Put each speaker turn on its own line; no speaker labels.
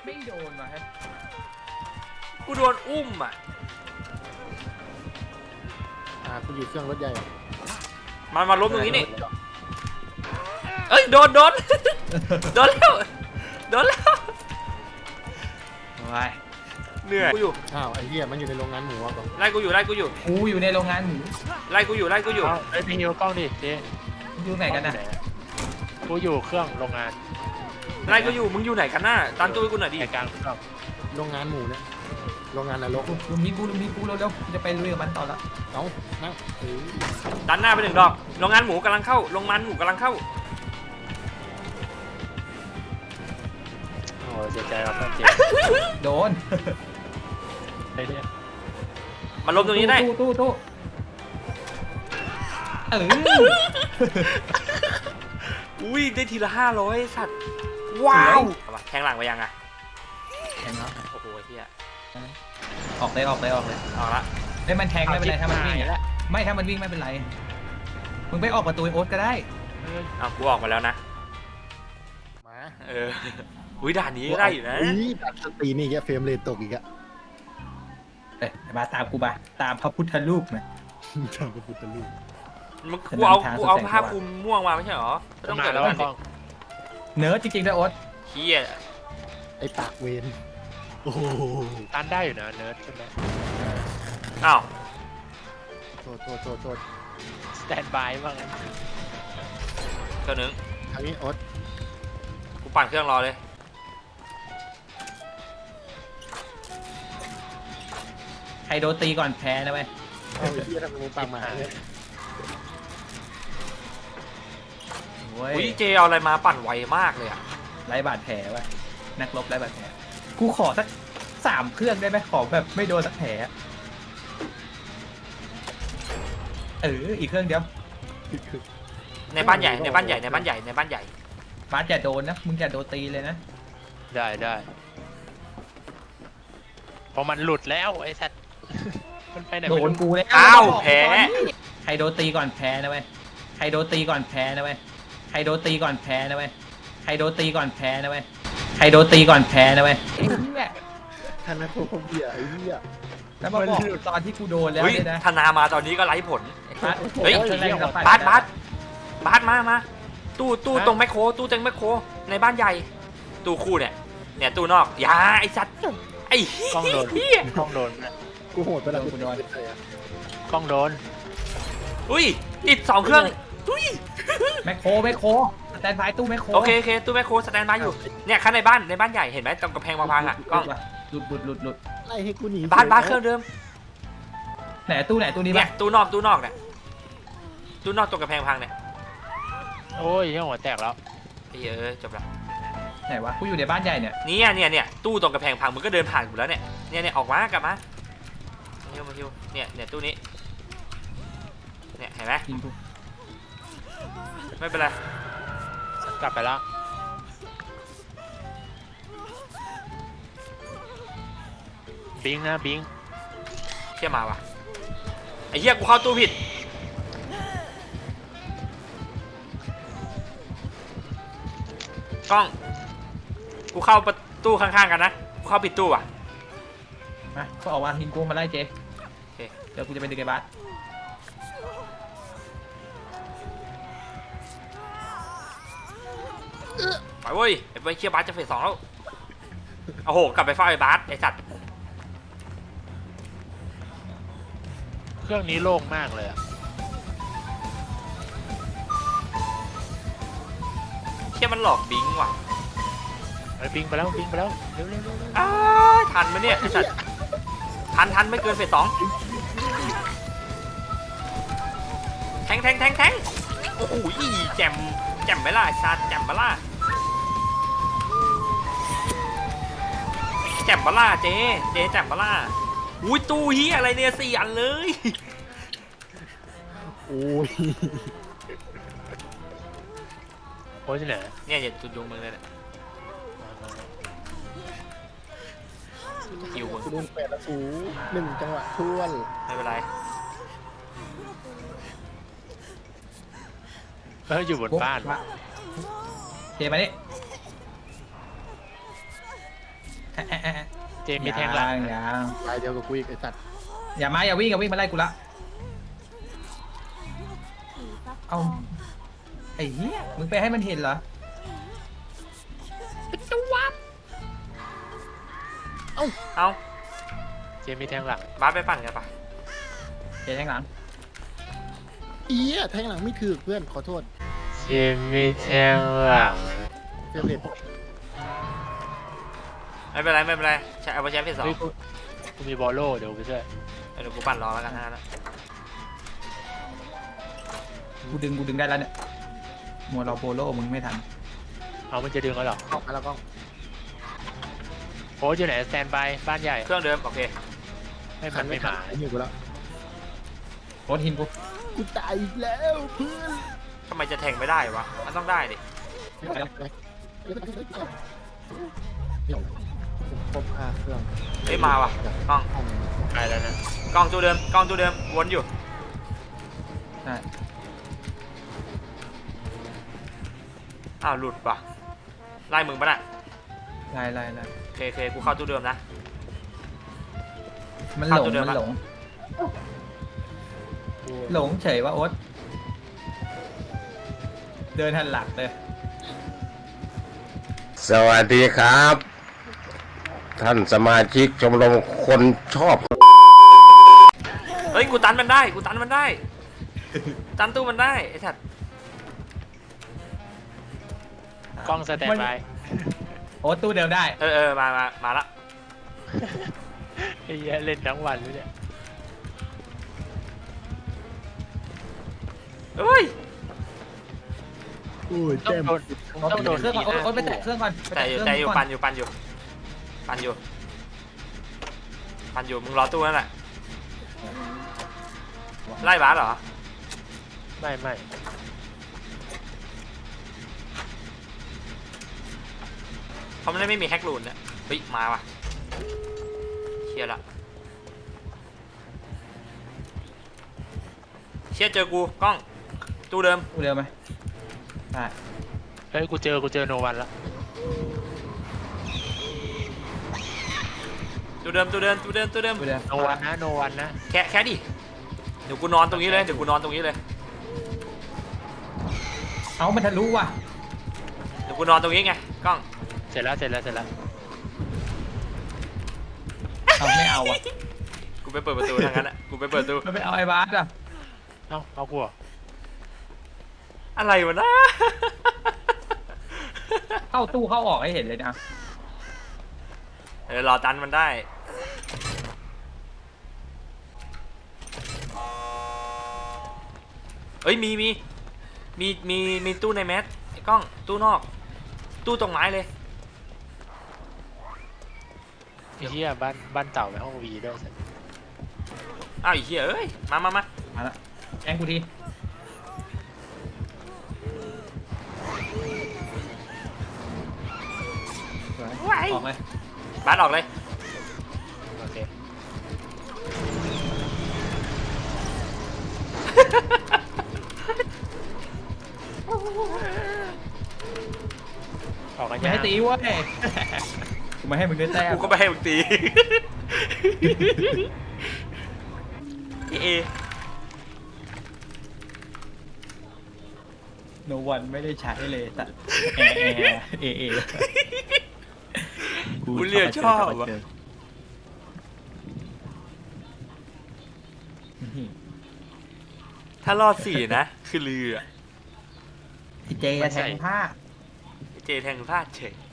ไม่โดนมาฮะ
กูโดนอุ้มอ่ะ
กูอยู่เครื่องรถใหญ่
มาล้มตรงนี้นี่เอ้ยโดนโดนแล้ว
ว้าย
เหนื่อยกูอยู่
อ้าวไอ้เหี้ยมันอยู่ในโรงงานหมูอ่ะก่อน
ไล่กูอยู่
กูอยู่ในโรงงานหมู
ไล่กูอยู่
ไอ้พี่ฮิวกล้องดิเจ๊
อยู่ไหนกันนะ
กูอยู่เครื่องโรงงาน
ไล่กูอยู่มึงอยู่ไหนกันน่ะตามตัวกูหน่อยดิ
กลางเครื่อง
โรงงานหมูเนี่ยโรงงานนรก
ลุมนี้กูเร็วจะไปลุยกับมันต่อละ
เอ้านั่ง
ดันหน้าไป1 ดอกโรงงานหมูกำลังเข้าโรงงานหมูกำลังเข้า
โอ้เสียใจครับเพื่อนเจ๊
โดน
ไอ้เนี่ย
มาล้มตรงนี้ได้
ตู้
อุ้ยได้ทีละ500สัตว์ว้าวแทงหลังไปยังอะ
แทงแล้ว
โอ้โหเฮีย
ออกเลยออกละไม่มันแทงไม่เป็นไรถ้ามันวิ่งไม่ถ้ามันวิ่งไม่เป็นไรมึงไปออกประตูโอ๊ตก็ได้
กูออกมาแล้วนะ
มา
อุ้ยด่านนี้ได้อยู่นะ
ด่านสตรีนี่แกเฟรมเรทตกอีกอะ
มาตามกูมาตามพระพุทธรูปมา
ตามพระพุทธรูป
กูเอาผ้าคลุมม่วงมาไม่ใช่หรอ
ต้องเกิดแล้วกล้อง
เนื้อจริงๆด้วยโอ๊ต
เฮีย
ไอ้ปากเวนโอ้
ตันได้อยู่นะเนิร์ดใช่ไหม
อ้าว
โทษ
สแตนบายบ้าง
เครื่องนึง
ทางนี้โอ๊ต
กูปั่นเครื่องรอเลย
ใครโดนตีก่อนแพ้นะเว้ย
เอาไอ้ที่ทำมึงปากหมาเลย
อุ้ยเจเอาอะไรมาปั่นไวมากเลยอะ
ไร้บาดแผลวะนักรบไร้บาดแผลกูขอสัก3 เครื่องได้ไหมขอแบบไม่โดนสักแผลอีกเครื่องเดียว
ในบ้านใหญ่บาส
อย่าโดนนะมึงอย่าโดนตีเลยนะ
ได้พอมันหลุดแล้วไอ้สัตว์มันไปไหน
โดนกูเลย
อ้าวแพ้
ใครโดนตีก่อนแพ้นะเว้ยใครโดนตีก่อนแพ้นะเว้ยใครโดนตีก่อนแพ้นะเว้ยใครโดนตีก่อนแพ้นะเว้ยใครโดนตีก่อนแพ้นะเว้ย
ท่านแม่โคคเบียไอ้เหี้ย
แล้วมาบอกตอนที่กูโดนแล้วเลยนะ
ธนามาตอนนี้ก็ไร้ผลเฮ้ยบาสมาตู้ตรงแมคโครตู้ตรงแมคโครในบ้านใหญ่ตู้คู่เนี่ยตู้นอกยาไอ้สัตว์ไอ้
กล้องโดน
กูโหดไปแล้ว
กูโดน
กล้องโดน
อุ้ยติด2 เครื่องอุ้ย
แมคโครสแตนบายตู้แมคโคร
โอเคตู้แมคโครสแตนบายอยู่เนี่ยข้างในบ้านใหญ่เห็นไหมตรงกระแพงพังอ่ะกล้อง
หลุด
ไล่ให้กูหนี
บ้านเครื่องเดิม
ไหนตู้นี้
เนี่ยตู้นอกเนี่ยตู้นอกตรงกระแพงพังเนี่ย
โอ้ยหัวแตกแล้ว
จบแล้ว
ไหนวะกูอยู่ในบ้านใหญ่เนี่ย
เนี่ยตู้ตรงกระแพงพังมึงก็เดินผ่านกูแล้วเนี่ยออกมากลับมาฮิวเนี่ยตู้นี้เนี่ยเห็นไหมไม่เป็นไร
กลับไปแล้วบิง
เชี่ยมาว่ะไอ้เหี้ยกูเข้าตู้ผิดกล้องกูเข้าประตูข้างๆกันนะกูเข้าผิดตู้อ่ะ
มาก็ออกมาหินกูมาไล่เจเดี๋ยวกูจะไปดึงไอ้บาส
ไปเว้ยไอ้เชี่ยบาสจะเฟส 2แล้วโอ้โหกลับไปเฝ้าไอ้บาสไอ้สัตว์
เครื่องนี้โล่งมากเลยอะ
เชี่ยมันหลอกบิงว่ะ
บิงไปแล้วเร็ว
ทันไหมเนี่ยไอ้สัตว์ทันไม่เกินเฟส 2แทงโอ้โหแจ่มไหมล่ะไอ้สัตว์แจ่มไหมล่ะแจ่มปะล่ะเจ๊แจ่มปะล่ะอุ้ยตู้เฮียอะไรเนี่ย4 อันเลย
โอ้ย
ที่ไหน
เนี่ยอย่าจุดยงมึงเลยเนี่ย
อยู่โดน8 ละฟู1 จังหวะท้วน
ไม่เป็นไร
อยู่บนบ้าน
เจมาดิ
เจมีแทงหลัง
ยัง
ลายเดียวกับกูอีกไอ้สัตว์
อย่าวิ่งมาไล่กูละเอาไอ้เหี้ยมึงไปให้มันเห็นเหรอ
เอา
เจมีแทงหลัง
บาสไปปั่นกันปะ
เดี๋ยวแทงหลัง
เอี้ยแทงหลังไม่ถือเพื่อนขอโทษ
เจมีแทงหลัง
เฟเวอร์
ไม่เป็นไรใช้เอาไปใช้เพจสอง
เฮ้ยกูมีบอลโล่เดี๋ยวไปช่วย
เดี๋ยวกูปั่นรอแล้วกันนะ
กูดึงได้แล้วเนี่ยมัวเราโปโลมึงไม่ทัน
เอามันจะดึงแล้วหรอก
ล้องมาแล้วกล้อง
โอ้อยู่ไหนสแตนบายบ้านใหญ่
เครื่องเดิมโอเค
ไม่มันไม่มา
ไอ้เหี้ยกูแล้ว
โคตรหินกู
กูตายอีกแล้วเพื่อน
ทำไมจะแทงไม่ได้วะมันต้องได้ดิ
ครบ5เครื่อง
เฮ้ยมาว่ะกล้อง
ไปแล้วนะ
กล้องตัวเดิมวนอยู่
ใช่
อ้าวหลุดว่ะไล่มึงปะน่ะ
ไล่
โอเคกูเข้าตู้เดิมนะ
มัน
เข้า
หลง
ตัวเดิม
มัน
ปะ
หลงเฉยว่าโอ๊ตเดินหันหลักเลย
สวัสดีครับ ท่านสมาชิกชมรมคนชอบ
เฮ้ยกูตันมันได้ตันตู้มันได้ไอ้สัตว์
กล้องสแตนบาย
โอ๊ตตู้เดิมได้
มาละ
ไอ้เหี้ยเล่นทั้งวันเลยเนี่ย
เฮ้ย
อุ้ย
ต้อ
เต็
ง
ม
โดนต้องโดน
เครื่องก่อนโอ๊ตไปแตะเครื่องก่อนไป
แต่
แตะ
อยู่
เครื่องก่อน
ปั่นอยู่มึงรอตู้นั่นแหละไล่บาสเหรอ
ไม่
เพราะมันไม่มีแฮกรูนเนี่ยเฮ้ยมาว่ะเชี่ยละเชี่ยเจอกูกล้องตู้เดิม
ตู้เดิมไหมใช่
เฮ้ยกูเจอโนวันแล้ว
ตู้เดิม
ตู้เดิม
โนวันนะ
แค่ดิเดี๋ยวกูนอนตรงนี้เลย
เอามันทะลุว่ะ
เดี๋ยวกูนอนตรงนี้ไงกล้อง
เสร็จแล้ว
เอาไม่เอาอ่ะ
กูไปเปิดประตูทางนั้นอ่ะกูไปเปิดประตู
มันไปเอาไอ้บาสอ่ะ
เอากูเหรอ
อะไรวะนะ
เข้าตู้เข้าออกให้เห็นเลยนะ
รอตันมันได้เอ้ยมีตู้ในแมสไอ้กล้องตู้นอก ตู้ตรงไม้เลย
ไอ้เหี้ยบ้านเต่าในห้องวีด้วยสิ
อ้าวไอ้เหี้ยเอ้ยมา
มาละแองกูทีสวยออกเลย
บาสออกเลย
โอเคออกกัน
ไม่
ยัง
ให้ตีเว้ยกูไม่ให้มึงได้แต้ม
กูก็ไม่ให้มึงตี เอ
โนวันไม่ได้ใช้เลยแต่เอ
กูเรียกชอบอะถ้ารอด4นะคือเรือ
ไอเจแทงผ้า
เจแทงพลาดเฉย